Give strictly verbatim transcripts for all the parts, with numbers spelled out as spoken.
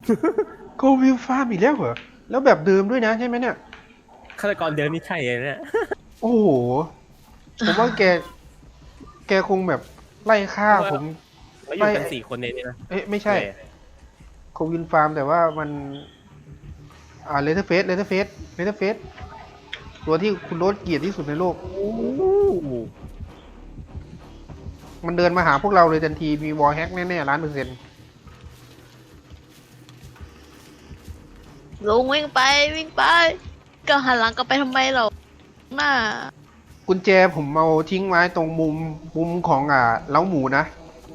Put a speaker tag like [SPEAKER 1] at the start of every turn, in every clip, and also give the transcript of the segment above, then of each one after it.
[SPEAKER 1] โกวิลฟาร์มอีกแล้วเหรอแล้วแบบเดิมด้วยนะใช่ไหมเนี่ย
[SPEAKER 2] ฆาตกรเดิมนี่ใช่เลยเนี่ย
[SPEAKER 1] โอ้โหผมว่าแกแกคงแบบไล่ฆ่า
[SPEAKER 2] เพราะว่า
[SPEAKER 1] ผม
[SPEAKER 2] เราอ
[SPEAKER 1] ไล่
[SPEAKER 2] ยู่กันสี่คนในนี้นะ
[SPEAKER 1] เอ๊ะไม่ใช่
[SPEAKER 2] เลย
[SPEAKER 1] โกวิลฟาร์มแต่ว่ามันอ่าเลเทอร์เฟสเลเทอร์เฟสเลเทอร์เฟสตัวที่คุณโรสเกลียดที่สุดในโลก
[SPEAKER 2] โอ้โห
[SPEAKER 1] มันเดินมาหาพวกเราเลยทันทีมีวอลแฮกแน่ๆล้านเปอร์เซ็นต์
[SPEAKER 3] ลุงวิ่งไปวิ่งไปก็หันหลังกลับไปทำไมเราหน้า
[SPEAKER 1] กุญแจผมเอาทิ้งไว้ตรงมุมมุมของอ่าเล้าหมูนะ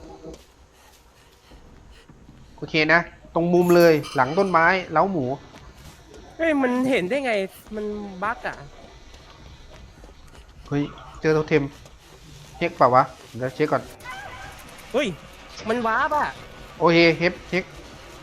[SPEAKER 1] โอเคนะตรงมุมเลยหลังต้นไม้เล้าหมู
[SPEAKER 2] เฮ้ยมันเห็นได้ไงมันบั๊กอ่ะ
[SPEAKER 1] เฮ้ยเจอโทเทมเช็คเปล่าวะเดี๋ยวเช็คก่อน
[SPEAKER 2] เฮ้ยมันว้าบอ่ะ
[SPEAKER 1] โอเคเฮฟเช็ค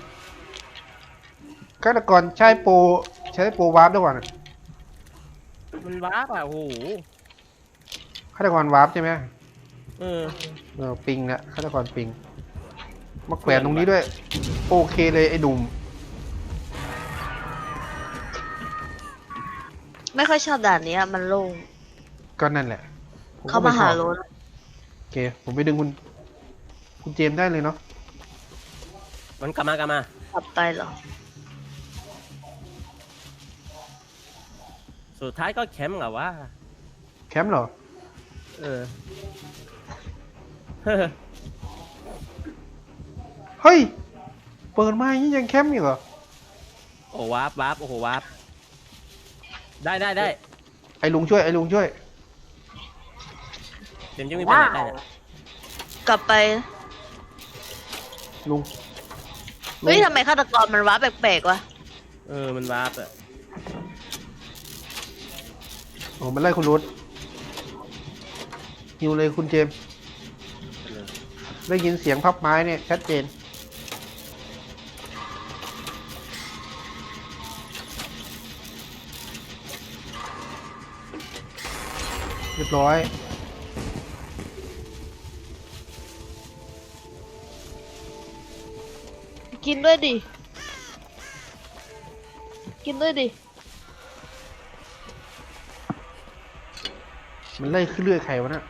[SPEAKER 1] ฆาตกรใช้โปรใช้โปรวาร์ปด้วยก่อนอะ
[SPEAKER 2] มันว้าบอ่ะโอ้โห
[SPEAKER 1] ฆาตกรวาร์ปใช่ไหม
[SPEAKER 2] เออ
[SPEAKER 1] เออปิงนะฆาตกรปิงมาแขวนตรงนี้ด้วยโอเคเลยไอ้หนุ่ม
[SPEAKER 3] ไม่ค่อยชอบด่านนี้อะมันโล่ง
[SPEAKER 1] ก็นั่นแหละผก็
[SPEAKER 3] เขา
[SPEAKER 1] ไช
[SPEAKER 3] มาหา
[SPEAKER 1] อบ
[SPEAKER 3] รถ
[SPEAKER 1] โอเคผมไปดึงคุณคุณเจมส์ได้เลยเนาะ
[SPEAKER 2] มันกลับมากลับมา
[SPEAKER 3] กลับไปเหรอ
[SPEAKER 2] สุดท้ายก็แคมป์เหรอวะ
[SPEAKER 1] แคมป์เหรอ
[SPEAKER 2] เออเฮ้อ
[SPEAKER 1] เฮ้ยเปิดมาอย่างนี้ยังแคมป์อยู่เหรอ
[SPEAKER 2] โอ้วาร์ปวาร์ปโอ้โหวาร์ปได้ได้ได้
[SPEAKER 1] ไอ้ลุงช่วยไอ้ลุงช่วย
[SPEAKER 2] เดี๋ยวจะมีปัญหาได้เนี่ย
[SPEAKER 3] กลับไป
[SPEAKER 1] ลุง
[SPEAKER 3] เฮ้ยทำไมฆาตกรมันว้าแปลกๆวะ
[SPEAKER 2] เออมันวาร์ปอ่ะ
[SPEAKER 1] โอ้มันไล่คุณรถฮิวเลยคุณเจมส์ได้ยินเสียงพับไม้เนี่ยชัดเจนเรียบร้อย
[SPEAKER 3] กินด้วยดิกินด้วยดิ
[SPEAKER 1] มันไล่ขึ้นเรื่อยใครวะน่ะ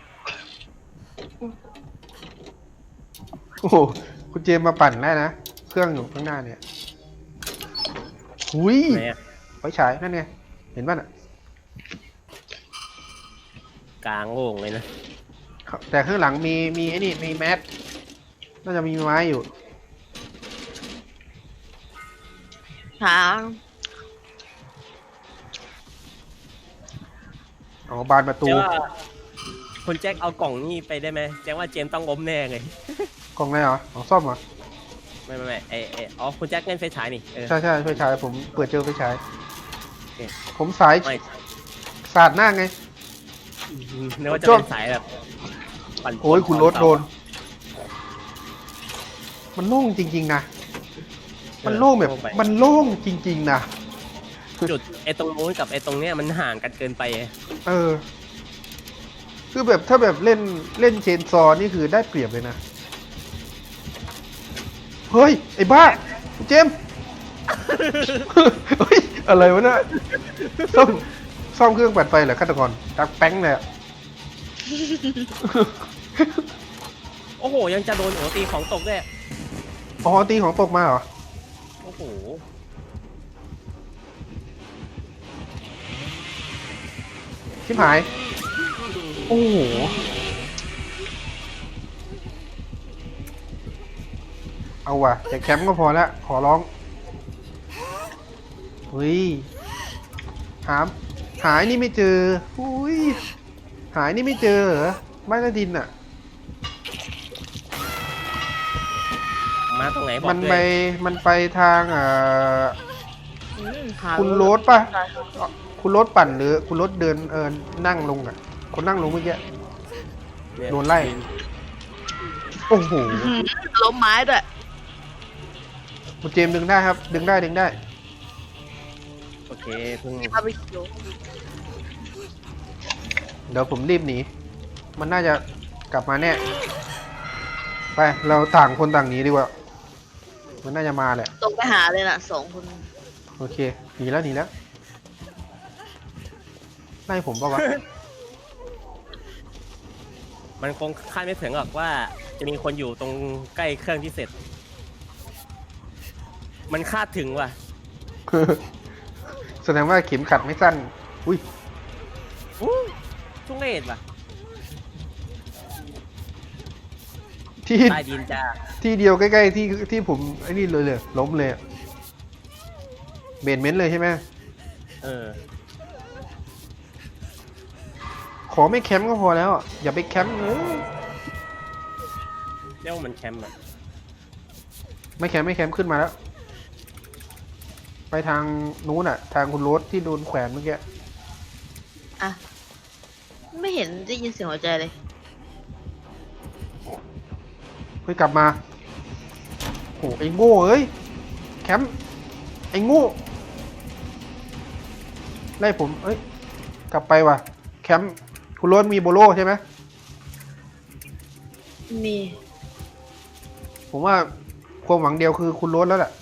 [SPEAKER 1] โอ้โหคุณเจมส์มาปั่นได้นะเครื่องอยู่ข้างหน้าเนี่ยหุย
[SPEAKER 2] ไหนอ่ะ
[SPEAKER 1] ไฟฉายนั่นไงเห็นป่ะน่ะ
[SPEAKER 2] กลางโล่งเลยนะ
[SPEAKER 1] แต่ข้างหลังมีมีไอ้นี่มีแมสน่าจะมีไม้อยู่
[SPEAKER 3] หา
[SPEAKER 1] อ๋อบานประตู
[SPEAKER 2] เจ๊ว่าคุณแจ็คเอากล่องนี่ไปได้ไหมแจ็คว่าเจมส์ต้องล้มแน่เลย
[SPEAKER 1] กล่องไหนเหรอของซ่อมเหรอ
[SPEAKER 2] ไม่ไม่ไม่ไอไออ๋อคุณแจ็คเล่นไฟฉายนี่เออ
[SPEAKER 1] ใช่ใช่ไฟฉายผมเปิดเจอไฟฉาย
[SPEAKER 2] โอเค
[SPEAKER 1] ผมสาย
[SPEAKER 2] ไม่
[SPEAKER 1] สาดหน้าไง
[SPEAKER 2] นึกว่าจะ
[SPEAKER 1] ชอบ
[SPEAKER 2] เป็นสายแบบปั่น
[SPEAKER 1] โอ้ยคุณรถโดน มันโล่งจริงๆนะ มันโล่งแบบมันโล่งจริงๆนะ
[SPEAKER 2] จุดไอตรงนู้นกับไอตรงเนี้ยมันห่างกันเกินไป
[SPEAKER 1] เออ คือแบบถ้าแบบเล่นเล่นเชนซอว์นี่คือได้เปรียบเลยนะ เฮ้ย ไอ้บ้า เจมส์ เฮ้ย อะไรวะเนี่ยซ่อมซ่อมเครื่องปั่นไฟเหรอฆาตกรดักแป้งเลยอะ
[SPEAKER 2] โอ้โหยังจะโดนโอตีของตกด้วย
[SPEAKER 1] อ๋อตีของตกมาเหรอ
[SPEAKER 2] โอ้โห
[SPEAKER 1] ชิบหาย โอ้โห เอาว่ะแต่แคมป์ก็พอละขอร้องเฮ้ยหาหายนี่ไม่เจออุ้ยหายนี่ไม่เจอเหรอไม้ละดินอ่ะ
[SPEAKER 2] มาตรงไหนบอก
[SPEAKER 1] มัน
[SPEAKER 2] ด้
[SPEAKER 1] ไป
[SPEAKER 2] วย
[SPEAKER 1] มันไปทางอ่า
[SPEAKER 3] อืมหา
[SPEAKER 1] คุณโรสป่ะ คุณรถปั่นหรือคุณรถเดินเออนั่งลงอ่ะ คนนั่งลงเมื่อกี้
[SPEAKER 2] เย
[SPEAKER 1] โดนไล่ โอ้โห
[SPEAKER 3] อืมล้มไม้ด้วย
[SPEAKER 1] คุณเจมส์ดึงได้ครับ ดึงได้ดึงได้
[SPEAKER 2] โอเคเพิ่ง
[SPEAKER 3] มีบาร์บีคิว
[SPEAKER 1] เดี๋ยวผมรีบหนี มันน่าจะกลับมาแน่ ไป เราต่างคนต่างหนีดีกว่า
[SPEAKER 2] อ
[SPEAKER 1] มันน่าจะมาแหละ
[SPEAKER 3] ตรงไปหาเลยน่ะสองคน
[SPEAKER 1] โอเคหนีแล้วหนีแล้วไล่ผมปะวะ
[SPEAKER 2] มันคงคาดไม่ถึงหรอกว่าจะมีคนอยู่ตรงใกล้เครื่องที่เสร็จ มันคาดถึงว่ะ
[SPEAKER 1] แสดงว่าเข็มขัดไม่สั้น อุ้ย
[SPEAKER 2] อู้ทุเรศว่ะ
[SPEAKER 1] ที่
[SPEAKER 2] ใต้ดินจ้า
[SPEAKER 1] ที่เดียวใกล้ๆที่ที่ผมไอ้นี่เลยเลยล้มเลยอะเบนเมนต์เลยใช่ไหม
[SPEAKER 2] เออ
[SPEAKER 1] ขอไม่แคมป์ก็พอแล้วอะอย่าไปแคมป์เลย
[SPEAKER 2] เรียกว่ามันแคมป์อ่ะ
[SPEAKER 1] ไม่แคมป์ไม่แคมป์ขึ้นมาแล้ว ไปทางนู้นอ่ะ ทางคุณโรสที่โดนแขวนเมื่อกี้
[SPEAKER 3] อ่ะไม่เห็นได้ยินเสียงหัวใจเลย
[SPEAKER 1] เฮ้ยกลับมาโอ้ไอ้โง่เอ้ยแคมป์ไอ้โง่ไล่ผมเอ้ยกลับไปว่ะแคมป์คุณโรสมีโบโลใช่ไหม
[SPEAKER 3] มี
[SPEAKER 1] ผมว่าความหวังเดียวคือคุณโรสแล้วแหละ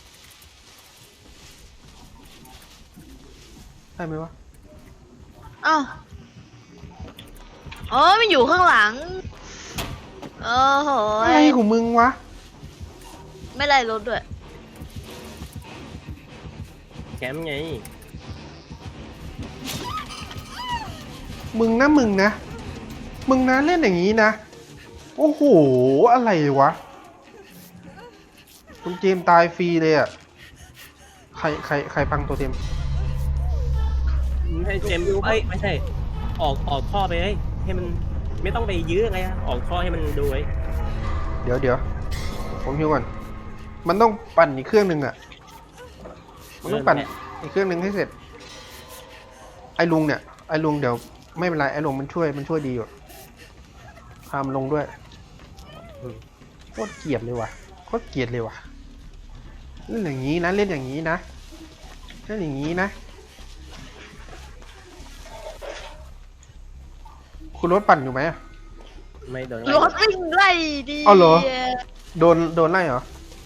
[SPEAKER 1] ได้ไหมวะ
[SPEAKER 3] อ้าวอ๋อมันอยู่ข้างหลังโอ้โห
[SPEAKER 1] อะไรของมึงวะ
[SPEAKER 3] ไม่ไล่รถด้วย
[SPEAKER 2] แคมป์ไง
[SPEAKER 1] มึงนะมึงนะมึงนะเล่นอย่างนี้นะโอ้โหอะไรวะคุณเจมส์ตายฟรีเลยอ่ะใครใครใครพังตัวเต็ม
[SPEAKER 2] ไม่ใช่เจมส์เอ้ยไม่ใช่ ออกออกท่อไปเลยให้มันไม่ต้องไปยื้อไงอะออกท่อให้มันดูไว้
[SPEAKER 1] เดี๋ยวเดี๋ยวผมฮิวก่อนมันต้องปั่นอีกเครื่องหนึ่งอ่ะมันต้องปั่นอีกเครื่องหนึ่งให้เสร็จ ไอ้ลุงเนี่ยไอ้ลุงเดี๋ยวไม่เป็นไรไอ้ลุงมันช่วยมันช่วยดีอยู่พามันลงด้วยอืมโคตรเกลียดเลยว่ะโคตรเกลียดเลยว่ะเล่นอย่างนี้นะเล่นอย่างนี้นะเล่นอย่างนี้นะคุณรถปั่นอยู่ไหมอะ
[SPEAKER 2] ไม่โดน
[SPEAKER 3] รถวิ่งไล่ดี
[SPEAKER 1] เอาเหรอ โดนโดนไล่เหรอ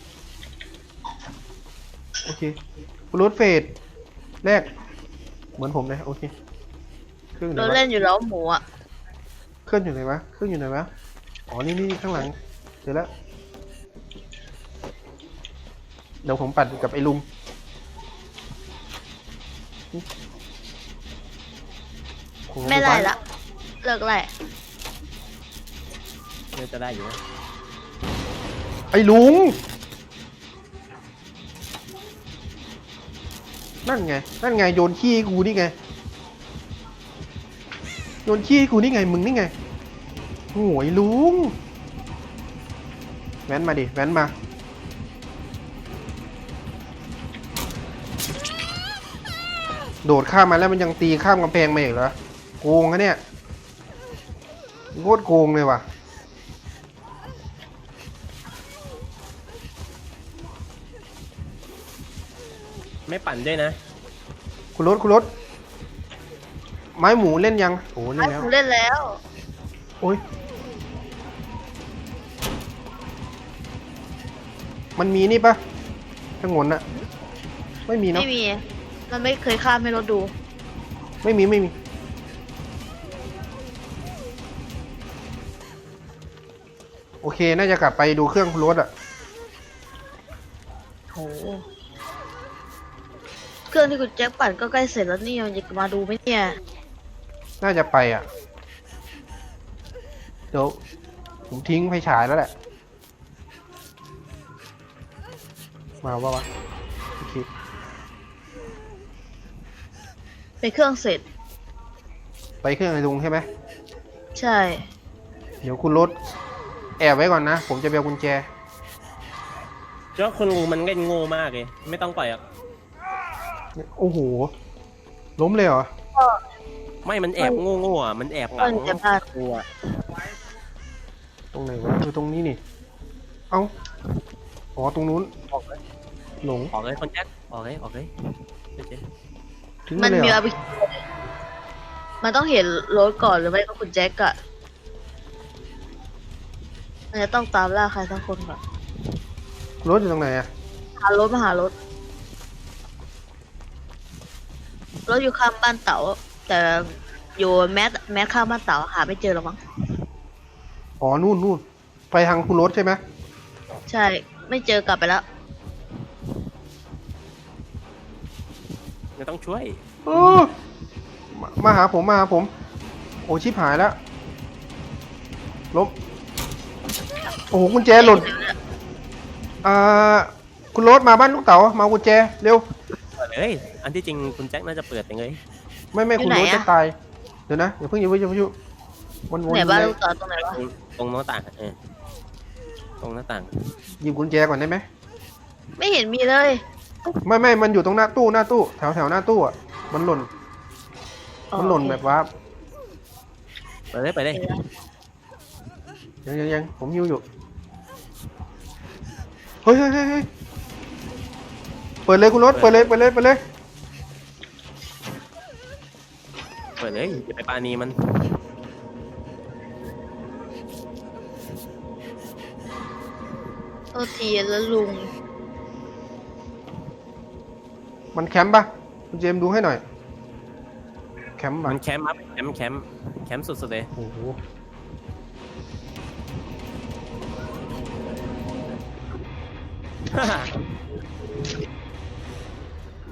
[SPEAKER 1] โอเคคุณรถเฟดแรกเหมือนผมเลยโอเคเครื่องไหน
[SPEAKER 3] เรา
[SPEAKER 1] วะ
[SPEAKER 3] เล่นอยู่แล้วหมูอ่ะ
[SPEAKER 1] เครื่องอยู่ไหนวะเครื่องอยู่ไหนวะอ๋อนี่นี่ข้างหลังเดี๋ยวแล้วเดี๋ยวผมปั่นกับไอ้ลุงโอ้โห
[SPEAKER 3] ไม่ไล่ละเลิกไล่
[SPEAKER 2] เนี่ยจะได้อยู่นะ
[SPEAKER 1] ไอ้ลุงนั่นไงนั่นไงโยนขี้ให้กูนี่ไงโยนขี้ให้กูนี่ไงมึงนี่ไงโอ้ยลุงแว้นมาดิแว้นมาโดดข้ามมาแล้วมันยังตีข้ามกำแพงมาอีกเหรอโกงนะเนี่ยโคตรโกงเลยว่ะ
[SPEAKER 2] ไม่ปั่นด้วยนะ
[SPEAKER 1] คุณรถคุณรถไม้หมูเล่นยังโอ้เล่น
[SPEAKER 3] ไอ้
[SPEAKER 1] แล้ว
[SPEAKER 3] ผมเล่นแล้ว
[SPEAKER 1] โอ้ยมันมีนี่ปะทั้งหมดน่ะไม่มีเนาะ
[SPEAKER 3] ไม่มี มันไม่เคยข้ามให้รถดู
[SPEAKER 1] ไม่มีไม่มีโอเคน่าจะกลับไปดูเครื่องคุณรถอ่ะ
[SPEAKER 3] โห เครื่องที่คุณแจ็คปั่นก็ใกล้เสร็จแล้วนี่ยังจะมาดูไหมเนี่ย
[SPEAKER 1] น่าจะไปอ่ะเดี๋ยวผมทิ้งไฟฉายแล้วแหละมาว่าวะโอเค
[SPEAKER 3] ไปเครื่องเสร็จ
[SPEAKER 1] ไปเครื่องไอ้ลุงใช่ไหม
[SPEAKER 3] ใช่
[SPEAKER 1] เดี๋ยวคุณรถแอบไว้ก่อนนะ ผมจะไปเอากุญแจ
[SPEAKER 2] เจ้าคนงูมันเล่นโง่มากเลย ไม่ต้องปล่อยอ่ะ
[SPEAKER 1] โอ้โห ล้มเลยเหรอ
[SPEAKER 2] ไม่มันแอบโง่โง่อ่ะ มันแอบหลั
[SPEAKER 3] ก็
[SPEAKER 2] ง
[SPEAKER 3] จะพลาด
[SPEAKER 2] กลัว
[SPEAKER 1] ตรงไหนวะคือตรงนี้นี่ เอ้า อ๋อ ตรงนู้น
[SPEAKER 2] ออกเลย
[SPEAKER 1] หลง
[SPEAKER 2] ออกเลยคนแจ็คออกเลยออกเลยเจ๊
[SPEAKER 1] ถึง
[SPEAKER 3] มัน
[SPEAKER 1] เลย
[SPEAKER 3] มี
[SPEAKER 1] เหร
[SPEAKER 3] อา
[SPEAKER 1] อ
[SPEAKER 3] ไปมันต้องเห็นรถก่อนหรือไม่ก็คุณแจ็คอะมันจะต้องตามล่าใครสักคนก่อน
[SPEAKER 1] รถอยู่ตรงไหนอะ
[SPEAKER 3] หารถมาหารถรถอยู่ข้างบ้านเต๋าแต่อยู่แมสแมสข้างบ้านเต๋าหาไม่เจอหรอกมั้ง
[SPEAKER 1] อ๋อนู่นนู่นไปทางคุณรถใช่ไหม
[SPEAKER 3] ใช่ไม่เจอกลับไปแล้ว
[SPEAKER 2] ไม่ต้องช่วย
[SPEAKER 1] เออมามาหาผมมาหาผม โอ้ชิบหายแล้วลบโอ้โหกุญแจหล่นอ่าคุณรถมาบ้านลูกเต๋ามาเอากุญแจเร็ว
[SPEAKER 2] เปิดเลยอันที่จริงคุณแจ็คน่าจะเปิดยังไง
[SPEAKER 1] ไม่ไม่คุณรถจะตายเดี๋ยวนะเดี๋ยวเพิ่งอย่าเพิ่งอย่าเพิ่งวนวน
[SPEAKER 3] ไหนบ้านลูกเต๋าตรงไหนวะ
[SPEAKER 2] ตรงตรงหน้าต่างเออตรงหน้าต่าง
[SPEAKER 1] หยิบกุญแจก่อนได้ไหม
[SPEAKER 3] ไม่เห็นมีเลย
[SPEAKER 1] ไม่ไม่มันอยู่ตรงหน้าตู้หน้าตู้แถวแถวหน้าตู้อ่ะมันหล่น
[SPEAKER 3] อ๋อ
[SPEAKER 1] มันหล่นแบบว่า
[SPEAKER 2] เปิดเลยเปิดเลย
[SPEAKER 3] เดี๋ยวนะ
[SPEAKER 1] ยังยังยังผมยิวอยู่เฮ้ยเฮ้ยเฮ้ยเฮ้ยเปิดเลยคุณรถเปิดเลยเปิดเลยเปิดเลย
[SPEAKER 2] เปิดเลยอย่าไปปานีมัน
[SPEAKER 3] โทษทีแล้วลุง
[SPEAKER 1] มันแคมป์ปะคุณเจมส์ดูให้หน่อยแคมป์ปะ
[SPEAKER 2] มันแคมป์ครับแคมป์แคมป์แคมป์สุดๆเลย
[SPEAKER 1] โอ้โห